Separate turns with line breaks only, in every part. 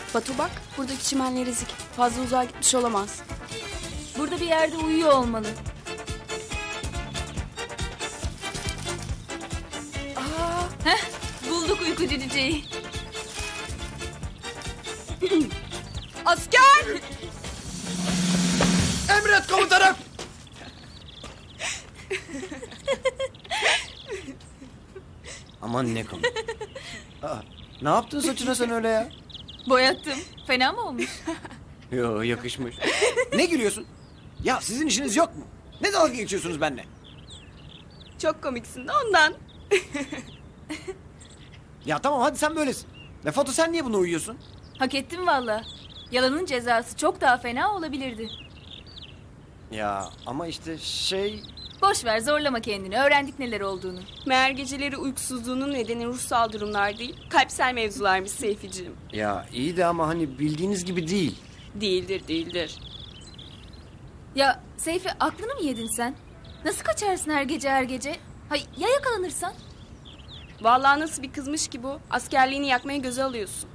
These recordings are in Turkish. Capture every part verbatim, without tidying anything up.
Batu bak, buradaki çimenler ezik. Fazla uzağa gitmiş olamaz.
Burada bir yerde uyuyor olmalı.
Aa,
Heh, bulduk uykucu cüceyi.
asker!
Emret komutanım. Aman ne komik. Aa, ne yaptın saçına sen öyle ya?
Boyattım. Fena mı olmuş?
Yo, yakışmış. Ne gülüyorsun? Ya sizin işiniz yok mu? Ne dalga geçiyorsunuz benimle?
Çok komiksin de ondan.
Ya tamam hadi sen böylesin. Ne Foto sen niye buna uyuyorsun?
Hak ettim valla. Yalanın cezası çok daha fena olabilirdi.
Ya ama işte şey...
Boş ver, zorlama kendini. Öğrendik neler olduğunu.
Meğer geceleri uykusuzluğunun nedeni ruhsal durumlar değil, kalpsel mevzularmış Seyficiğim.
Ya iyi de ama hani bildiğiniz gibi değil.
Değildir, değildir.
Ya Seyfi, aklını mı yedin sen? Nasıl kaçarsın her gece her gece? Hay ya yakalanırsan?
Vallahi nasıl bir kızmış ki bu? Askerliğini yakmaya göze alıyorsun.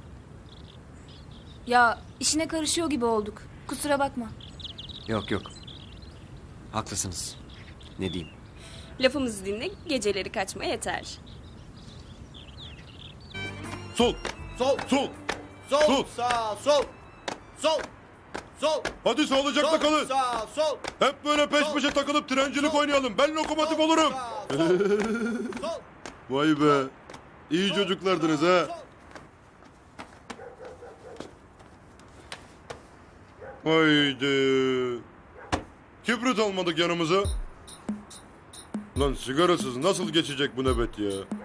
Ya işine karışıyor gibi olduk. Kusura bakma.
Yok yok. Haklısınız. Ne diyeyim?
Lafımızı dinle, geceleri kaçma yeter.
Sol.
Sol.
Sol.
Sol.
Sol.
Sağ. Sol. Sol. Sol.
Hadi sağlıcakla
Sol.
kalın.
Sağ. Sol.
Hep böyle peş
Sol.
peşe takılıp trencilik
Sol.
oynayalım. Ben lokomotif
Sol.
olurum.
Sağ. Sol. Sol.
Vay be. İyi
Sol.
çocuklardınız
Sağ.
ha.
Sol.
Haydi. Kibrit almadık yanımıza. Lan sigarasız nasıl geçecek bu nöbet ya? Cık.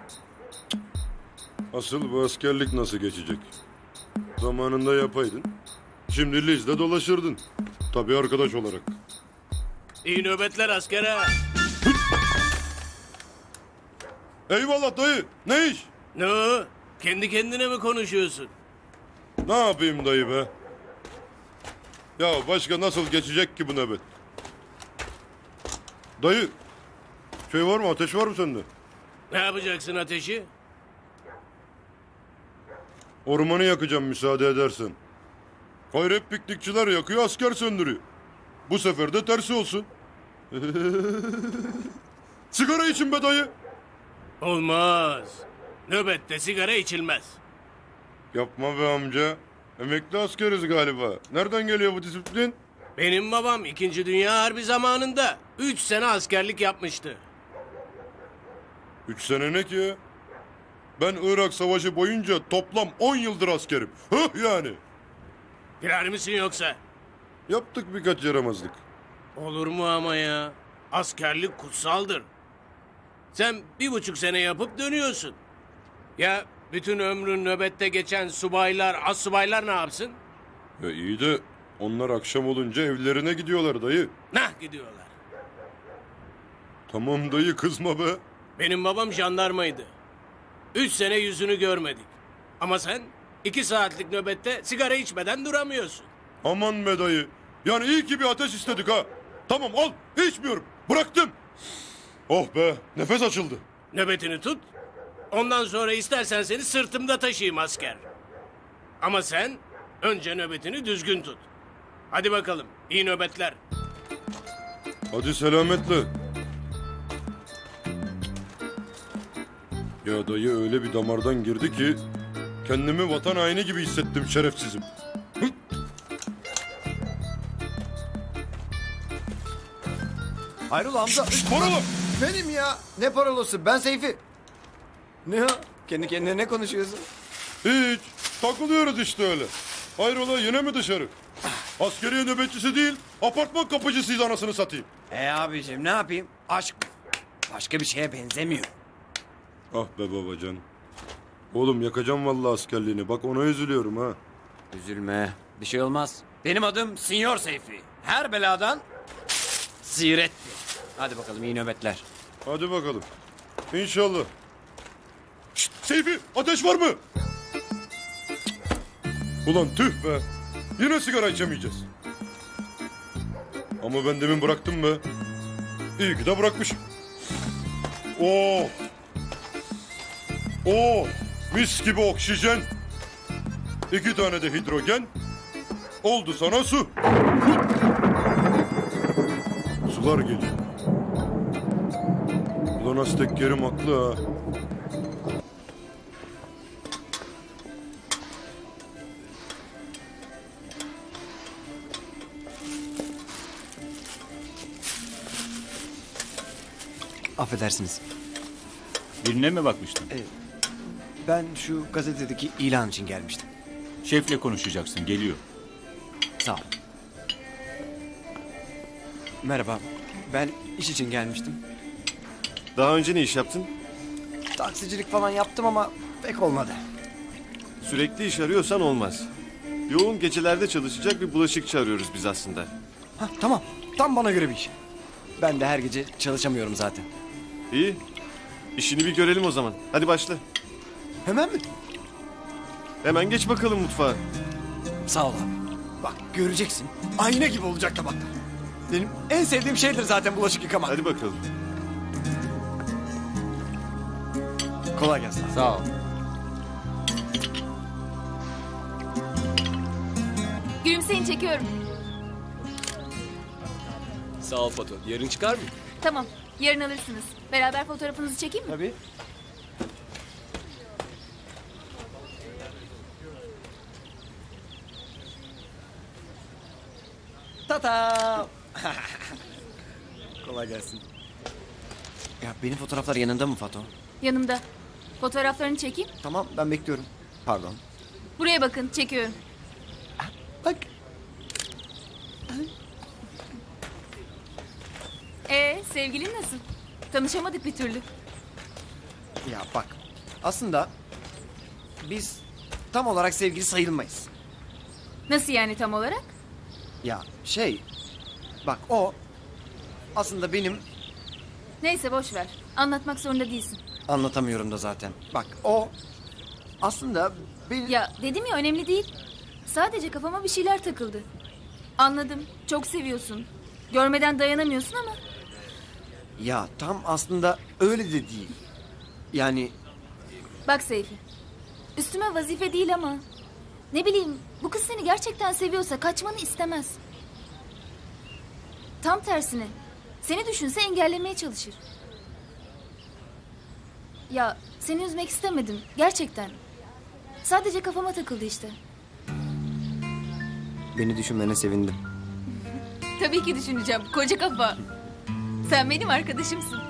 Asıl bu askerlik nasıl geçecek? Zamanında yapaydın. Şimdi Liz'de dolaşırdın. Tabii arkadaş olarak.
İyi nöbetler askere.
Eyvallah dayı. Ne iş?
Ne o? Kendi kendine mi konuşuyorsun?
Ne yapayım dayı be? Ya başka nasıl geçecek ki bu nöbet? Dayı. Şey var mı? Ateş var mı sende?
Ne yapacaksın ateşi?
Ormanı yakacağım müsaade edersen. Hayır hep piknikçiler yakıyor, asker söndürüyor. Bu sefer de tersi olsun. Sigara için be dayı.
Olmaz. Nöbette sigara içilmez.
Yapma be amca. Emekli askeriz galiba. Nereden geliyor bu disiplin?
Benim babam İkinci Dünya Harbi zamanında üç sene askerlik yapmıştı.
Üç sene ne ki ya? Ben Irak Savaşı boyunca toplam on yıldır askerim. Hıh yani.
Girer misin yoksa?
Yaptık birkaç yaramazlık.
Olur mu ama ya? Askerlik kutsaldır. Sen bir buçuk sene yapıp dönüyorsun. Ya bütün ömrün nöbette geçen subaylar, astsubaylar ne yapsın?
Ya iyi de onlar akşam olunca evlerine gidiyorlar dayı.
Nah gidiyorlar.
Tamam dayı kızma be.
Benim babam jandarmaydı. Üç sene yüzünü görmedik. Ama sen iki saatlik nöbette sigara içmeden duramıyorsun.
Aman be dayı. Yani iyi ki bir ateş istedik ha. Tamam al içmiyorum. Bıraktım. Oh be nefes açıldı.
Nöbetini tut. Ondan sonra istersen seni sırtımda taşıyayım asker. Ama sen önce nöbetini düzgün tut. Hadi bakalım iyi nöbetler.
Hadi selametle. Ya dayı öyle bir damardan girdi ki kendimi vatan haini gibi hissettim şerefsizim. Hı?
Hayrola Hamza?
Parola!
Benim ya. Ne parolası? Ben Seyfi. Ne o? Kendi kendine ne konuşuyorsun?
Hiç. Takılıyoruz işte öyle. Hayrola yine mi dışarı? Askeriye nöbetçisi değil, apartman kapıcısıyız anasını satayım.
E abicim ne yapayım? Aşk başka bir şeye benzemiyor.
Ah be babacan. Oğlum yakacağım vallahi askerliğini. Bak ona üzülüyorum ha.
Üzülme. Bir şey olmaz. Benim adım Sinyor Seyfi. Her beladan sirettir. Hadi bakalım iyi nöbetler.
Hadi bakalım. İnşallah. Şşt, Seyfi ateş var mı? Ulan tüh be. Yine sigara içemeyeceğiz. Ama ben demin bıraktım be. İyi ki de bırakmışım. Oh. Oh. Mis gibi oksijen. iki tane de hidrojen. Oldu sana su. Sular geliyor. Ulan Aztek Kerim haklı ha.
Affedersiniz.
Birine mi bakmıştın?
Ben şu gazetedeki ilan için gelmiştim.
Şefle konuşacaksın, geliyor.
Sağ ol. Merhaba. Ben iş için gelmiştim.
Daha önce ne iş yaptın?
Taksicilik falan yaptım ama pek olmadı.
Sürekli iş arıyorsan olmaz. Yoğun gecelerde çalışacak bir bulaşıkçı arıyoruz biz aslında.
Hah, tamam. Tam bana göre bir iş. Ben de her gece çalışamıyorum zaten.
İyi. İşini bir görelim o zaman. Hadi başla.
Hemen mi?
Hemen geç bakalım mutfağa.
Sağ ol abi. Bak göreceksin. Ayna gibi olacak tabaklar. Benim en sevdiğim şeydir zaten bulaşık yıkamak.
Hadi bakalım.
Kolay gelsin abi.
Sağ ol.
Gülümseyin, çekiyorum.
Sağ ol Fato. Yarın çıkar mı?
Tamam, yarın alırsınız. Beraber fotoğrafınızı çekeyim mi?
Tabii. Tata. Kolay gelsin. Ya benim fotoğraflar yanında mı Fato?
Yanımda. Fotoğraflarını çekeyim.
Tamam ben bekliyorum. Pardon.
Buraya bakın, çekiyorum.
Bak.
Ee, sevgilin nasıl? Tanışamadık bir türlü.
Ya bak. Aslında biz tam olarak sevgili sayılmayız.
Nasıl yani tam olarak?
Ya şey. Bak o aslında benim
Neyse boş ver. Anlatmak zorunda değilsin.
anlatamıyorum da zaten. Bak o aslında bir
Ya dedim ya, önemli değil. Sadece kafama bir şeyler takıldı. Anladım. Çok seviyorsun. Görmeden dayanamıyorsun ama
ya tam aslında öyle de değil. Yani
bak Seyfi. Üstüme vazife değil ama ne bileyim, bu kız seni gerçekten seviyorsa kaçmanı istemez. Tam tersine seni düşünse engellemeye çalışır. Ya seni üzmek istemedim gerçekten. Sadece kafama takıldı işte.
beni düşünmene sevindim.
Tabii ki düşüneceğim, koca kafa. Sen benim arkadaşımsın.